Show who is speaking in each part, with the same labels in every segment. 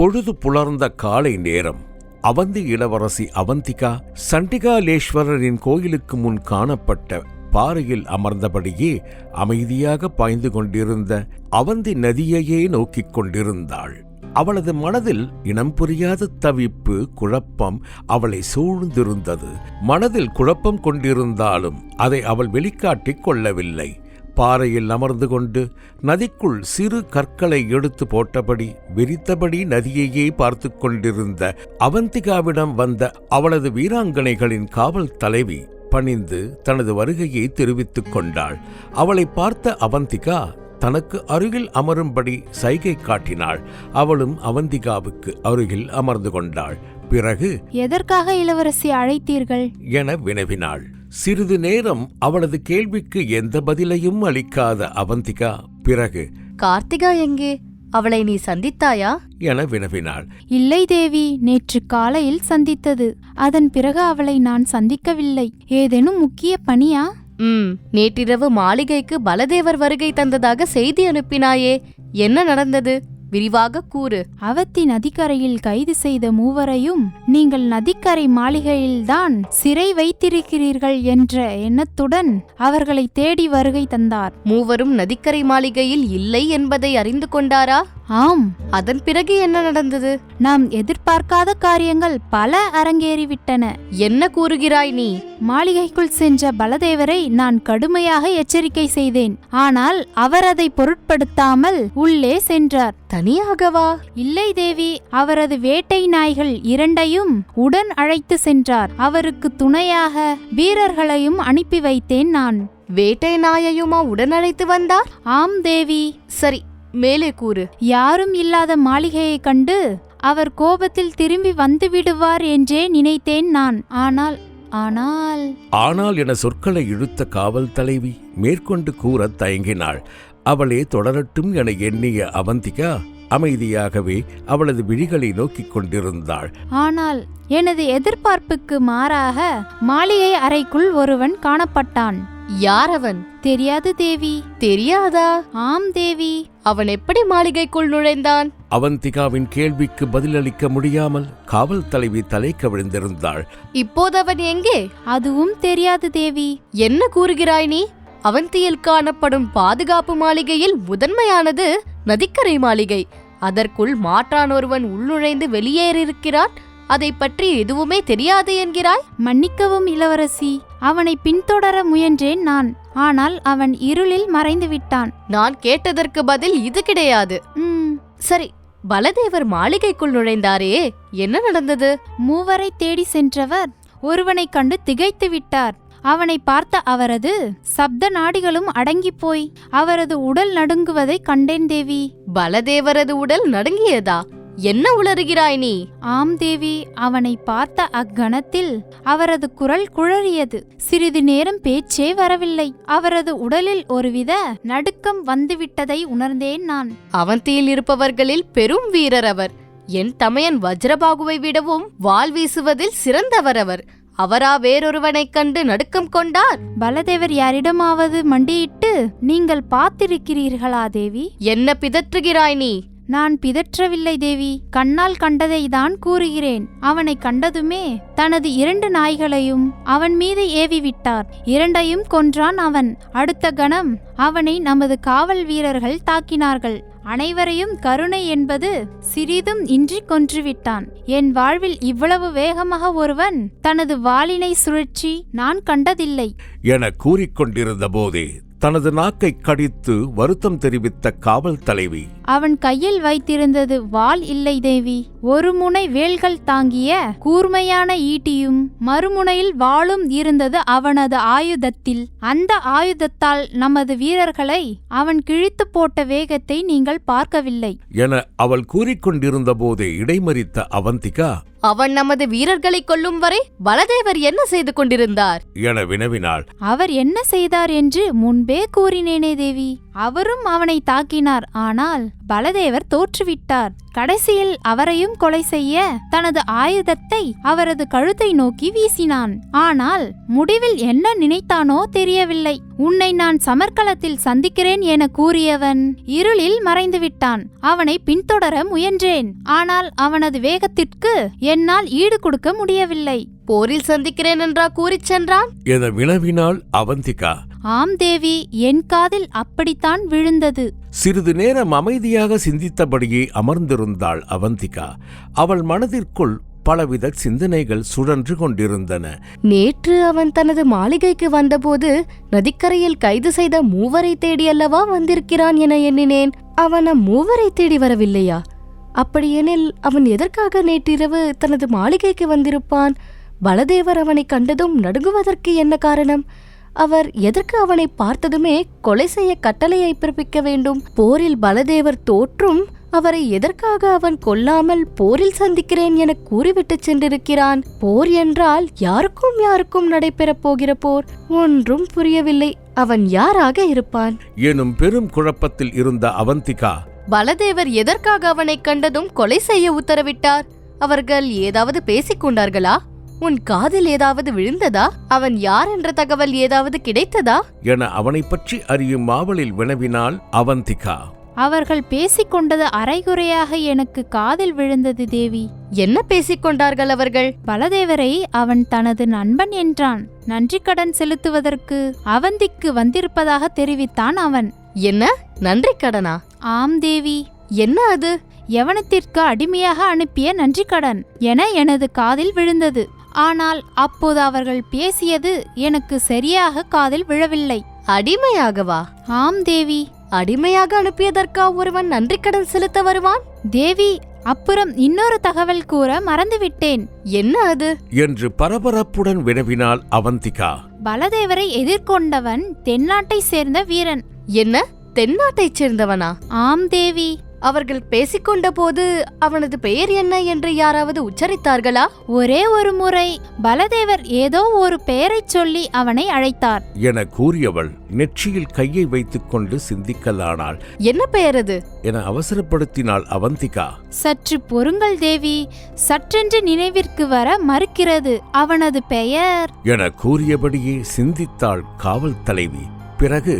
Speaker 1: பொழுது புலர்ந்த காலை நேரம். அவந்தி இளவரசி அவந்திகா சண்டிகாலேஸ்வரரின் கோயிலுக்கு முன் காணப்பட்ட பாறையில் அமர்ந்தபடியே அமைதியாக பாய்ந்து கொண்டிருந்த அவந்தி நதியையே நோக்கிக் கொண்டிருந்தாள். அவளது மனதில் இனம் புரியாத தவிப்பு, குழப்பம் அவளை சூழ்ந்திருந்தது. மனதில் குழப்பம் கொண்டிருந்தாலும் அதை அவள் வெளிக்காட்டிக் கொள்ளவில்லை. பாறையில் அமர்ந்து கொண்டு நதிக்குள் சிறு கற்களை எடுத்து போட்டபடி விரித்தபடி நதியையே பார்த்து கொண்டிருந்த அவந்திகாவிடம் வந்த அவளது வீராங்கனைகளின் காவல் தலைவி பணிந்து தனது வருகையை தெரிவித்துக் கொண்டாள். அவளை பார்த்த அவந்திகா தனக்கு அருகில் அமரும்படி சைகை காட்டினாள். அவளும் அவந்திகாவுக்கு அருகில் அமர்ந்து கொண்டாள். பிறகு,
Speaker 2: எதற்காக இளவரசி அழைத்தீர்கள்
Speaker 1: என வினவினாள். சிறிது நேரம் அவளது கேள்விக்கு எந்த பதிலையும் அளிக்காத அவந்திகா பிறகு,
Speaker 3: கார்த்திகா எங்கே? அவளை நீ சந்தித்தாயா
Speaker 1: என வினவினாள்.
Speaker 2: இல்லை தேவி, நேற்று காலையில் சந்தித்தது. அதன் பிறகு அவளை நான் சந்திக்கவில்லை. ஏதேனும் முக்கிய பணியா?
Speaker 3: நேற்றிரவு மாளிகைக்கு பலதேவர் வருகை தந்ததாக செய்தி அனுப்பினாயே, என்ன நடந்தது? விரிவாக கூறு.
Speaker 2: அவத்தி நதிக்கரையில் கைது செய்த மூவரையும் நீங்கள் நதிக்கரை மாளிகையில்தான் சிறை வைத்திருக்கிறீர்கள் என்ற எண்ணத்துடன் அவர்களை தேடி வருகை தந்தார்.
Speaker 3: மூவரும் நதிக்கரை மாளிகையில் இல்லை என்பதை அறிந்து கொண்டாரா?
Speaker 2: ஆம்.
Speaker 3: அதன் பிறகு என்ன நடந்தது?
Speaker 2: நாம் எதிர்பார்க்காத காரியங்கள் பல அரங்கேறிவிட்டன.
Speaker 3: என்ன கூறுகிறாய் நீ?
Speaker 2: மாளிகைக்குள் சென்ற பலதேவரை நான் கடுமையாக எச்சரிக்கை செய்தேன். ஆனால் அவர் அதை பொருட்படுத்தாமல் உள்ளே சென்றார்.
Speaker 3: தனியாகவா?
Speaker 2: இல்லை தேவி, அவரது வேட்டை நாய்கள் இரண்டையும் உடன் அழைத்து சென்றார். அவருக்கு துணையாக வீரர்களையும் அனுப்பி வைத்தேன் நான்.
Speaker 3: வேட்டை நாயையுமா உடன் அழைத்து வந்தார்?
Speaker 2: ஆம் தேவி.
Speaker 3: சரி, மேலே கூறு.
Speaker 2: யாரும் இல்லாத மாளிகையைக் கண்டு அவர் கோபத்தில் திரும்பி வந்து விடுவார் என்றே நினைத்தேன் நான்.
Speaker 1: ஆனால் என சொற்களை இழுத்த காவல் தலைவி மேற்கொண்டு கூற தயங்கினாள். அவளே தொடரட்டும் என எண்ணிய அவந்திகா அமைதியாகவே அவளது விழிகளை நோக்கிக் கொண்டிருந்தாள்.
Speaker 2: ஆனால் எனது எதிர்பார்ப்புக்கு மாறாக மாளிகை அறைக்குள் ஒருவன் காணப்பட்டான்.
Speaker 3: யார் அவன்?
Speaker 2: தெரியாது தேவி.
Speaker 3: தெரியாதா?
Speaker 2: ஆம் தேவி.
Speaker 3: அவன் எப்படி மாளிகைக்குள் நுழைந்தான்?
Speaker 1: அவந்திகாவின் கேள்விக்கு பதிலளிக்க முடியாமல் காவல் தலைவி தலை கவிழ்ந்திருந்தாள்.
Speaker 3: இப்போது அவன் எங்கே?
Speaker 2: அதுவும் தெரியாது தேவி.
Speaker 3: என்ன கூறுகிறாய் நீ? அவந்தியில் காணப்படும் பாதுகாப்பு மாளிகையில் முதன்மையானது நதிக்கரை மாளிகை. அதற்குள் மாற்றான் ஒருவன் உள்நுழைந்து வெளியேறியிருக்கிறான். அதை பற்றி எதுவுமே தெரியாது என்கிறாய்?
Speaker 2: மன்னிக்கவும் இளவரசி, அவனை பின்தொடர முயன்றேன் நான். ஆனால் அவன் இருளில் மறைந்து விட்டான்.
Speaker 3: நான் கேட்டதற்கு பதில் இது கிடையாது. சரி, பலதேவர் மாளிகைக்குள் நுழைந்தாரே, என்ன நடந்தது?
Speaker 2: மூவரை தேடி சென்றவர் ஒருவனை கண்டு திகைத்து விட்டார். அவனை பார்த்த அவரது சப்த நாடிகளும் அடங்கிப் போய் அவரது உடல் நடுங்குவதை கண்டேன் தேவி.
Speaker 3: பலதேவரது உடல் நடுங்கியதா? என்ன உளறுகிறாய் நீ?
Speaker 2: ஆம் தேவி, அவனை பார்த்த அக்கணத்தில் அவரது குரல் குழறியது. சிறிது நேரம் பேச்சே வரவில்லை. அவரது உடலில் ஒருவித நடுக்கம் வந்துவிட்டதை உணர்ந்தேன் நான்.
Speaker 3: அவந்தியில் இருப்பவர்களில் பெரும் வீரர் அவர். என் தமையன் வஜ்ரபாகுவை விடவும் வாள் வீசுவதில் சிறந்தவர் அவர். அவரா வேறொருவனைக் கண்டு நடுக்கம் கொண்டார்?
Speaker 2: பலதேவர் யாரிடமாவது மண்டியிட்டு நீங்கள் பார்த்திருக்கிறீர்களா தேவி?
Speaker 3: என்ன பிதற்றுகிறாய் நீ?
Speaker 2: நான் பிதற்றவில்லை தேவி, கண்ணால் கண்டதை தான் கூறுகிறேன். அவனை கண்டதுமே தனது 2 நாய்களையும் அவன் மீது ஏவிவிட்டார். 2ஐயும் கொன்றான் அவன். அடுத்த கணம் அவனை நமது காவல் வீரர்கள் தாக்கினார்கள். அனைவரையும் கருணை என்பது சிறிதும் இன்றி கொன்றுவிட்டான். என் வாழ்வில் இவ்வளவு வேகமாக ஒருவன் தனது வாளினை சுழற்சி நான் கண்டதில்லை
Speaker 1: என கூறிக்கொண்டிருந்த போதே தனது நாக்கை கடித்து வருத்தம் தெரிவித்த காவல் தலைவி,
Speaker 2: அவன் கையில் வைத்திருந்தது வாள் இல்லை தேவி. ஒரு முனை வேல்கள் தாங்கிய கூர்மையான ஈட்டியும் மறுமுனையில் வாளும் இருந்தது அவனது ஆயுதத்தில். அந்த ஆயுதத்தால் நமது வீரர்களை அவன் கிழித்து போட்ட வேகத்தை நீங்கள் பார்க்கவில்லை
Speaker 1: என அவள் கூறிக்கொண்டிருந்த போதே இடைமறித்த அவந்திகா,
Speaker 3: அவன் நமது வீரர்களை கொல்லும் வரை பலதேவர் என்ன செய்து கொண்டிருந்தார்
Speaker 1: என வினவினாள்.
Speaker 2: அவர் என்ன செய்தார் என்று முன்பே கூறினேனே தேவி. அவரும் அவனை தாக்கினார். ஆனால் பலதேவர் தோற்றுவிட்டார். கடைசியில் அவரையும் கொலை செய்ய தனது ஆயுதத்தை அவரது கழுத்தை நோக்கி வீசினான். ஆனால் முடிவில் என்ன நினைத்தானோ தெரியவில்லை. உன்னை நான் சமர்க்களத்தில் சந்திக்கிறேன் என கூறியவன் இருளில் மறைந்துவிட்டான். அவனை பின்தொடர முயன்றேன். ஆனால் அவனது வேகத்திற்கு என்னால் ஈடு கொடுக்க முடியவில்லை.
Speaker 3: போரில் சந்திக்கிறேன் என்றா கூறிச் சென்றான்
Speaker 1: என வினவினாள் அவந்திகா.
Speaker 2: ஆம் தேவி, என் காதில் அப்படித்தான் விழுந்தது.
Speaker 1: சிறிது நேரம் அமைதியாக சிந்தித்தபடியே அமர்ந்திருந்தாள் அவந்திகா. அவள் மனதிற்குள் பலவித சிந்தனைகள் சுழன்று கொண்டிருந்தன.
Speaker 3: நேற்று அவன் தனது மாளிகைக்கு வந்தபோது நதிக்கரையில் கைது செய்த மூவரை தேடியல்லவா வந்திருக்கிறான் என எண்ணினேன். அவன் மூவரை தேடி வரவில்லையா? அப்படியெனில் அவன் எதற்காக நேற்றிரவு தனது மாளிகைக்கு வந்திருப்பான்? பலதேவர் அவனை கண்டதும் நடுங்குவதற்கு என்ன காரணம்? அவர் எதற்கு அவனை பார்த்ததுமே கொலை செய்ய கட்டளையை பிறப்பிக்க வேண்டும்? போரில் பலதேவர் தோற்றும் அவரை எதற்காக அவன் கொல்லாமல் போரில் சந்திக்கிறேன் என கூறிவிட்டு சென்றிருக்கிறான்? போர் என்றால் யாருக்கும் நடைபெறப் போகிற போர். ஒன்றும் புரியவில்லை. அவன் யாராக இருப்பான்
Speaker 1: எனும் பெரும் குழப்பத்தில் இருந்த அவந்திகா,
Speaker 3: பலதேவர் எதற்காக அவனை கண்டதும் கொலை செய்ய உத்தரவிட்டார்? அவர்கள் ஏதாவது பேசிக் கொண்டார்களா? உன் காதில் ஏதாவது விழுந்ததா? அவன் யார் என்ற தகவல் ஏதாவது கிடைத்ததா
Speaker 1: என அவனை பற்றி அறியும் ஆவலில் வினவினாள் அவந்திகா.
Speaker 2: அவர்கள் பேசிக்கொண்டது அரைகுறையாக எனக்கு காதில் விழுந்தது தேவி.
Speaker 3: என்ன பேசிக் கொண்டார்கள் அவர்கள்?
Speaker 2: பலதேவரை அவன் தனது நண்பன் என்றான். நன்றி கடன் செலுத்துவதற்கு அவந்திக்கு வந்திருப்பதாக தெரிவித்தான் அவன்.
Speaker 3: என்ன நன்றி கடனா?
Speaker 2: ஆம் தேவி.
Speaker 3: என்ன அது?
Speaker 2: யவனத்திற்கு அடிமையாக அனுப்பிய நன்றி கடன் என எனது காதில் விழுந்தது. ஆனால் அப்போது அவர்கள் பேசியது எனக்கு சரியாக காதில் விழவில்லை.
Speaker 3: அடிமையாகவா?
Speaker 2: ஆம் தேவி.
Speaker 3: அடிமையாக அனுப்பியதற்கா ஒருவன் நன்றி கடன் செலுத்த வருவான்?
Speaker 2: தேவி, அப்புறம் இன்னொரு தகவல் கூற மறந்துவிட்டேன்.
Speaker 3: என்ன அது
Speaker 1: என்று பரபரப்புடன் வினவினாள் அவந்திகா.
Speaker 2: பலதேவரை எதிர்கொண்டவன் தென்னாட்டைச் சேர்ந்த வீரன்.
Speaker 3: என்ன, தென்னாட்டைச் சேர்ந்தவனா?
Speaker 2: ஆம் தேவி.
Speaker 3: அவர்கள் பேசிக்கொண்ட போது அவனது பெயர் என்ன என்று யாராவது உச்சரித்தார்களா?
Speaker 2: ஒரே ஒரு முறை பலதேவர் ஏதோ ஒரு பெயரைச் சொல்லி அவனை அழைத்தார்
Speaker 1: என கூறியவள் நெற்றியில் கையை வைத்துக் கொண்டு சிந்திக்கலானாள்.
Speaker 3: என்ன பெயர் அது
Speaker 1: என அவசரப்படுத்தினாள் அவந்திகா.
Speaker 2: சற்று பொறுங்கள் தேவி, சற்றென்று நினைவிற்கு வர மறுக்கிறது. அவனது பெயர்
Speaker 1: என கூறியபடியே சிந்தித்தாள் காவல் தலைவி. பிறகு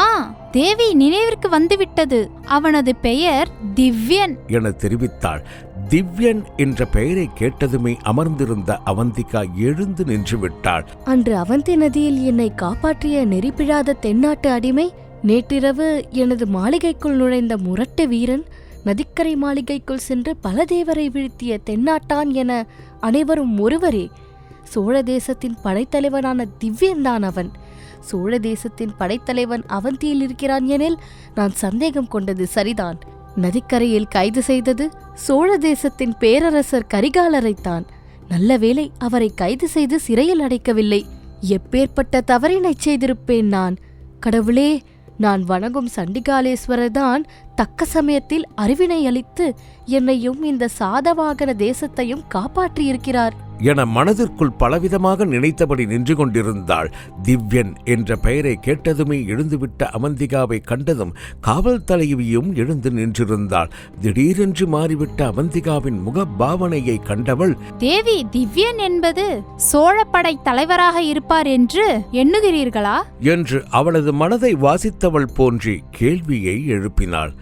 Speaker 2: தேவி, நினைவிற்கு வந்துவிட்டது. அவனது பெயர் திவ்யன்
Speaker 1: என தெரிவித்தாள். திவ்யன் என்ற பெயரை கேட்டதுமே அமர்ந்திருந்த அவந்திகா எழுந்து நின்று விட்டாள்.
Speaker 3: அன்று அவந்தி நதியில் என்னை காப்பாற்றிய நெறிப்பிழாத தென்னாட்டு அடிமை, நேற்றிரவு எனது மாளிகைக்குள் நுழைந்த முரட்டு வீரன், நதிக்கரை மாளிகைக்குள் சென்று பலதேவரை வீழ்த்திய தென்னாட்டான் என அனைவரும் ஒருவரே. சோழ தேசத்தின் படைத்தலைவனான திவ்யன்தான் அவன். சோழ தேசத்தின் படைத்தலைவன் அவந்தியில் இருக்கிறான் எனில் நான் சந்தேகம் கொண்டது சரிதான். நதிக்கரையில் கைது செய்தது சோழ தேசத்தின் பேரரசர் கரிகாலரைத்தான். நல்ல வேளை அவரை கைது செய்து சிறையில் அடைக்கவில்லை. எப்பேற்பட்ட தவறினைச் செய்திருப்பேன் நான்! கடவுளே, நான் வணங்கும் சண்டிகாலேஸ்வரர் தான் தக்க சமயத்தில் அறிவினை அளித்து என்னையும் இந்த சாதவாகன தேசத்தையும் காப்பாற்றியிருக்கிறார்
Speaker 1: என மனதிற்குள் பலவிதமாக நினைத்தபடி நின்று கொண்டிருந்தாள். திவ்யன் என்ற பெயரை கேட்டதுமே எழுந்துவிட்ட அவந்திகாவை கண்டதும் காவல் தலைவியும் எழுந்து நின்றிருந்தாள். திடீரென்று மாறிவிட்ட அவந்திகாவின் முக பாவனையை கண்டவள்,
Speaker 2: தேவி, திவ்யன் என்பது சோழப்படை தலைவராக இருப்பார் என்று எண்ணுகிறீர்களா
Speaker 1: என்று அவளது மனதை வாசித்தவள் போன்றே கேள்வியை எழுப்பினாள்.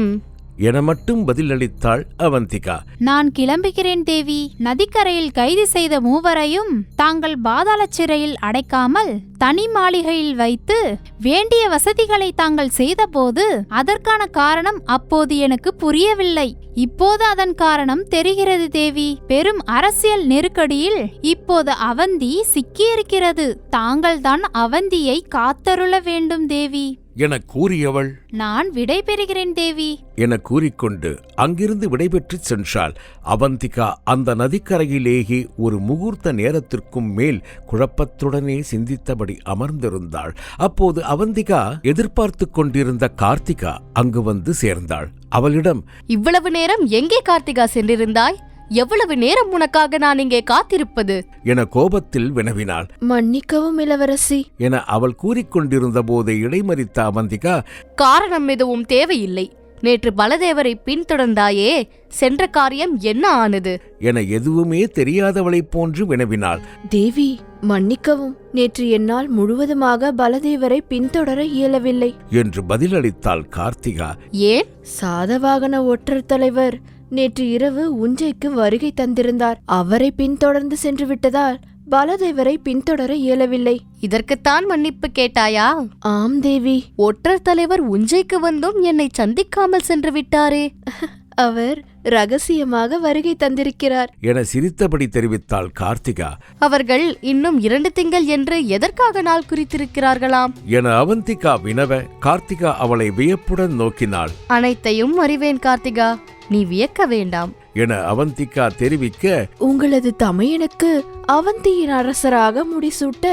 Speaker 1: என மட்டும் பதிலளித்தாள் அவந்திகா.
Speaker 2: நான் கிளம்புகிறேன் தேவி. நதிக்கரையில் கைது செய்த மூவரையும் தாங்கள் பாதாள சிறையில் அடைக்காமல் தனி மாளிகையில் வைத்து வேண்டிய வசதிகளை தாங்கள் செய்தபோது அதற்கான காரணம் அப்போது எனக்கு புரியவில்லை. இப்போது அதன் காரணம் தெரிகிறது தேவி. பெரும் அரசியல் நெருக்கடியில் இப்போது அவந்தி சிக்கியிருக்கிறது. தாங்கள்தான் அவந்தியை காத்தருள வேண்டும் தேவி
Speaker 1: என கூறியவள்,
Speaker 2: நான் விடை பெறுகிறேன் தேவி
Speaker 1: என கூறிக்கொண்டு அங்கிருந்து விடைபெற்று சென்றாள். அவந்திகா அந்த நதிக்கரையிலேயே ஒரு முகூர்த்த நேரத்திற்கும் மேல் குழப்பத்துடனே சிந்தித்தபடி அமர்ந்திருந்தாள். அப்போது அவந்திகா எதிர்பார்த்து கொண்டிருந்த கார்த்திகா அங்கு வந்து சேர்ந்தாள். அவளிடம்,
Speaker 3: இவ்வளவு நேரம் எங்கே கார்த்திகா சென்றிருந்தாய்? எவ்வளவு நேரம் உனக்காக நான் இங்கே காத்திருப்பது
Speaker 1: என கோபத்தில் வினவினாள்.
Speaker 4: மன்னிக்கவும் இளவரசி
Speaker 1: என அவள் கூறிக்கொண்டிருந்த போது இடைமறித்த அவந்திகா,
Speaker 3: காரணம் எதுவும் தேவையில்லை. நேற்று பலதேவரை பின்தொடர்ந்தாயே, சென்ற காரியம் என்ன ஆனது
Speaker 1: என எதுவுமே தெரியாதவளைப் போன்று வினவினாள்.
Speaker 4: தேவி மன்னிக்கவும், நேற்று என்னால் முழுவதுமாக பலதேவரை பின்தொடர இயலவில்லை
Speaker 1: என்று பதிலளித்தாள் கார்த்திகா.
Speaker 3: ஏன்?
Speaker 4: சாதவாகன ஒற்றர் தலைவர் நேற்று இரவு உஞ்சைக்கு வருகை தந்திருந்தார். அவரை பின்தொடர்ந்து சென்று விட்டதால் பலதேவரை பின்தொடர இயலவில்லை.
Speaker 3: இதற்குத்தான் மன்னிப்பு கேட்டாயா?
Speaker 4: ஆம் தேவி.
Speaker 3: ஒற்றர் தலைவர் உஞ்சைக்கு வந்தும் என்னை சந்திக்காமல் சென்று விட்டாரே.
Speaker 4: அவர் ரகசியமாக வருகை தந்திருக்கிறார்
Speaker 1: என சிரித்தபடி தெரிவித்தாள் கார்த்திகா.
Speaker 3: அவர்கள் இன்னும் 2 திங்கள் என்று எதற்காக நாள் குறித்திருக்கிறார்களாம்
Speaker 1: என அவந்திகா வினவ கார்த்திகா அவளை வியப்புடன் நோக்கினாள்.
Speaker 3: அனைத்தையும் அறிவேன் கார்த்திகா, நீ வியக்க வேண்டாம்
Speaker 1: என அவந்திகா தெரிவிக்க,
Speaker 4: உங்களது தமையனுக்கு அவந்தியின் அரசராக முடிசூட்ட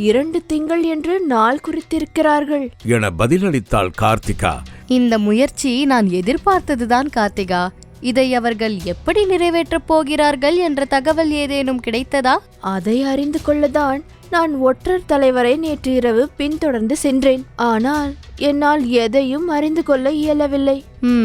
Speaker 4: 2 திங்கள் என்று நாள் குறித்திருக்கிறார்கள்
Speaker 1: என பதிலளித்தாள் கார்த்திகா.
Speaker 3: இந்த முயற்சி நான் எதிர்பார்த்ததுதான் கார்த்திகா. இதை அவர்கள் எப்படி நிறைவேற்றப் போகிறார்கள் என்ற தகவல் ஏதேனும் கிடைத்ததா?
Speaker 4: அதை அறிந்து கொள்ளதான் நான் ஒற்றர் தலைவரை நேற்று இரவு பின்தொடர்ந்து சென்றேன். ஆனால் என்னால் எதையும் அறிந்து கொள்ள இயலவில்லை.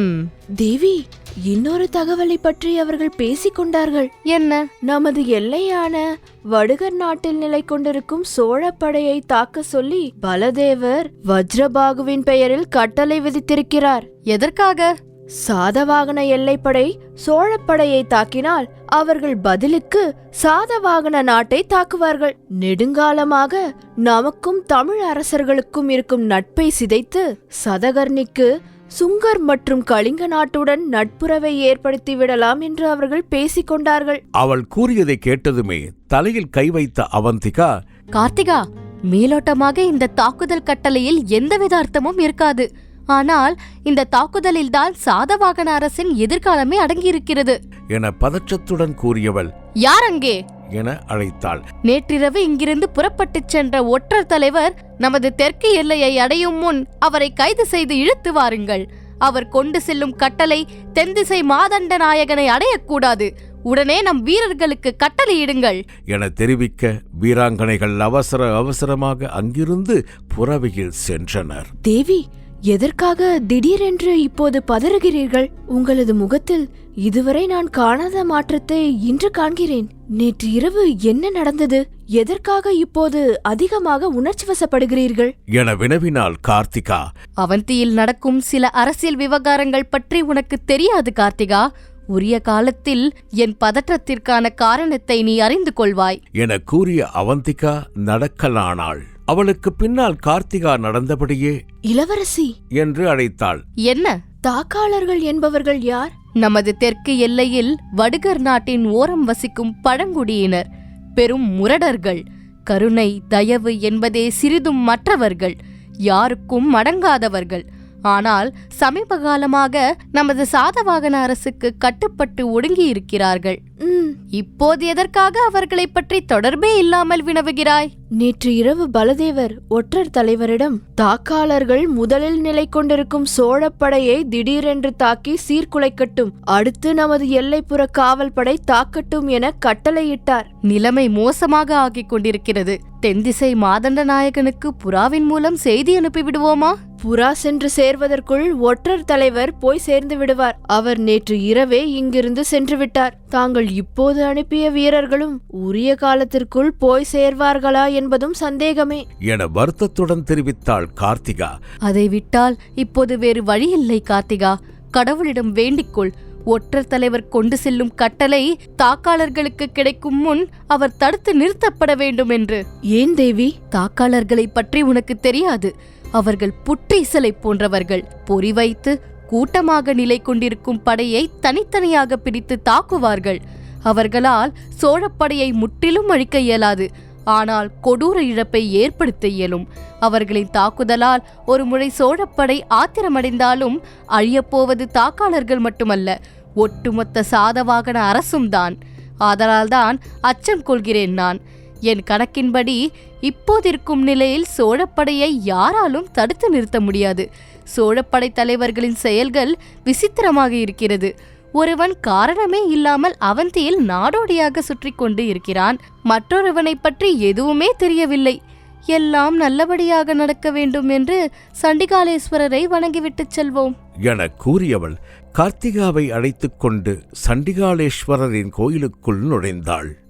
Speaker 4: தேவி, இன்னொரு தகவலை பற்றி அவர்கள் பேசிக் கொண்டார்கள்.
Speaker 3: என்ன?
Speaker 4: நமது எல்லையான வடுகர் நாட்டில் நிலை கொண்டிருக்கும் சோழப்படையை தாக்க சொல்லி பலதேவர் வஜ்ரபாகுவின் பெயரில் கட்டளை விதித்திருக்கிறார்.
Speaker 3: எதற்காக?
Speaker 4: சாதவாகன எல்லைப்படை சோழப்படையை தாக்கினால் அவர்கள் பதிலுக்கு சாதவாகன நாட்டை தாக்குவார்கள். நெடுங்காலமாக நமக்கும் தமிழ் அரசர்களுக்கும் இருக்கும் நட்பை சிதைத்து சதகர்ணிக்கு சுங்கர் மற்றும் கலிங்க நாட்டுடன் நட்புறவை ஏற்படுத்தி விடலாம் என்று அவர்கள் பேசிக் கொண்டார்கள்.
Speaker 1: அவள் கூறியதை கேட்டதுமே தலையில் கை வைத்த அவந்திகா,
Speaker 3: கார்த்திகா, மேலோட்டமாக இந்த தாக்குதல் கட்டளையில் எந்தவித அர்த்தமும் இருக்காது. ஆனால் இந்த தாக்குதலில்தான் சாதவாகன அரசின் எதிர்காலமே அடங்கியிருக்கிறது
Speaker 1: என பதற்றத்துடன் கூறியவள்,
Speaker 3: யார் அங்கே
Speaker 1: என அழைத்தாள்.
Speaker 3: நேற்றிரவு இங்கிருந்து புறப்பட்டுச் சென்ற ஒற்றர் தலைவர் நமது தெற்கு எல்லையை அடையும் முன் அவரை கைது செய்து இழுத்து வாருங்கள். அவர் கொண்டு செல்லும் கட்டளை தென்திசை மாதண்ட நாயகனை அடையக்கூடாது. உடனே நம் வீரர்களுக்கு கட்டளையிடுங்கள்
Speaker 1: என தெரிவிக்க வீராங்கனைகள் அவசரமாக அங்கிருந்து புறவையில் சென்றனர்.
Speaker 4: தேவி, எதற்காக திடீரென்று இப்போது பதறுகிறீர்கள்? உங்களது முகத்தில் இதுவரை நான் காணாத மாற்றத்தை இன்று காண்கிறேன். நேற்று இரவு என்ன நடந்தது? எதற்காக இப்போது அதிகமாக உணர்ச்சி வசப்படுகிறீர்கள்
Speaker 1: என வினவினாள் கார்த்திகா.
Speaker 3: அவந்தியில் நடக்கும் சில அரசியல் விவகாரங்கள் பற்றி உனக்கு தெரியாது கார்த்திகா. உரிய காலத்தில் என் பதற்றத்திற்கான காரணத்தை நீ அறிந்து கொள்வாய்
Speaker 1: என கூறிய அவந்திகா நடக்கலானாள். அவளுக்கு பின்னால் கார்த்திகா நடந்தபடியே,
Speaker 4: இளவரசி
Speaker 1: என்று அழைத்தாள்.
Speaker 3: என்ன?
Speaker 4: தாக்காளர்கள் என்பவர்கள் யார்?
Speaker 3: நமது தெற்கு எல்லையில் வடுகர் நாட்டின் ஓரம் வசிக்கும் பழங்குடியினர், பெரும் முரடர்கள். கருணை தயவு என்பதே சிறிதும் மற்றவர்கள், யாருக்கும் அடங்காதவர்கள். ஆனால் சமீப காலமாக நமது சாதவாகன அரசுக்கு கட்டுப்பட்டு ஒடுங்கி இருக்கிறார்கள். இப்போது எதற்காக அவர்களை பற்றி தொடர்பே இல்லாமல் வினவுகிறாய்?
Speaker 4: நேற்று இரவு பலதேவர் ஒற்றர் தலைவரிடம் தாக்காளர்கள் முதலில் நிலை கொண்டிருக்கும் சோழப்படையை திடீரென்று தாக்கி சீர்குலைக்கட்டும், அடுத்து நமது எல்லைப்புற காவல் படை தாக்கட்டும் என கட்டளையிட்டார்.
Speaker 3: நிலைமை மோசமாக ஆகிக் கொண்டிருக்கிறது. தென்திசை மாதண்ட நாயகனுக்கு புறாவின் மூலம் செய்தி அனுப்பிவிடுவோமா?
Speaker 4: புறா சென்று சேர்வதற்குள் ஒற்றர் தலைவர் போய் சேர்ந்து விடுவார். அவர் நேற்று இரவே இங்கிருந்து சென்று விட்டார். தாங்கள் இப்போது அனுப்பிய வீரர்களும் உரிய காலத்திற்குள் போய் சேர்வார்களா என்பதும் சந்தேகமே
Speaker 1: என வருத்தத்துடன் தெரிவித்தாள் கார்த்திகா.
Speaker 3: அதை விட்டால் இப்போது வேறு வழியில்லை கார்த்திகா. கடவுளிடம் வேண்டிக்கொள். ஒற்றர் தலைவர் கொண்டு செல்லும் கட்டளை தாக்காளர்களுக்கு கிடைக்கும் முன் அவர் தடுத்து நிறுத்தப்பட வேண்டும் என்று.
Speaker 4: ஏன் தேவி?
Speaker 3: தாக்காளர்களை பற்றி உனக்கு தெரியாது. அவர்கள் புற்றீசலை போன்றவர்கள். பொறி வைத்து கூட்டமாக நிலை கொண்டிருக்கும் படையை தனித்தனியாக பிரித்து தாக்குவார்கள். அவர்களால் சோழப்படையை முற்றிலும் அழிக்க இயலாது, ஆனால் கொடூர இழப்பை ஏற்படுத்த இயலும். அவர்களின் தாக்குதலால் ஒரு முறை சோழப்படை ஆத்திரமடைந்தாலும் அழியப்போவது தாக்காளர்கள் மட்டுமல்ல, ஒட்டுமொத்த சாதவாகன அரசும் தான். ஆதலால்தான் அச்சம் கொள்கிறேன் நான். என் கணக்கின்படி இப்போதிருக்கும் நிலையில் சோழப்படையை யாராலும் தடுத்து நிறுத்த முடியாது. சோழப்படை தலைவர்களின் செயல்கள் விசித்திரமாக இருக்கிறது. ஒருவன் காரணமே இல்லாமல் அவந்தியில் நாடோடியாக சுற்றி கொண்டு இருக்கிறான். மற்றொருவனை பற்றி எதுவுமே தெரியவில்லை. எல்லாம் நல்லபடியாக நடக்க வேண்டும் என்று சண்டிகாலேஸ்வரரை வணங்கிவிட்டுச் செல்வோம்
Speaker 1: என கூறியவள் கார்த்திகாவை அழைத்துக் கொண்டு சண்டிகாலேஸ்வரரின் கோயிலுக்குள் நுழைந்தாள்.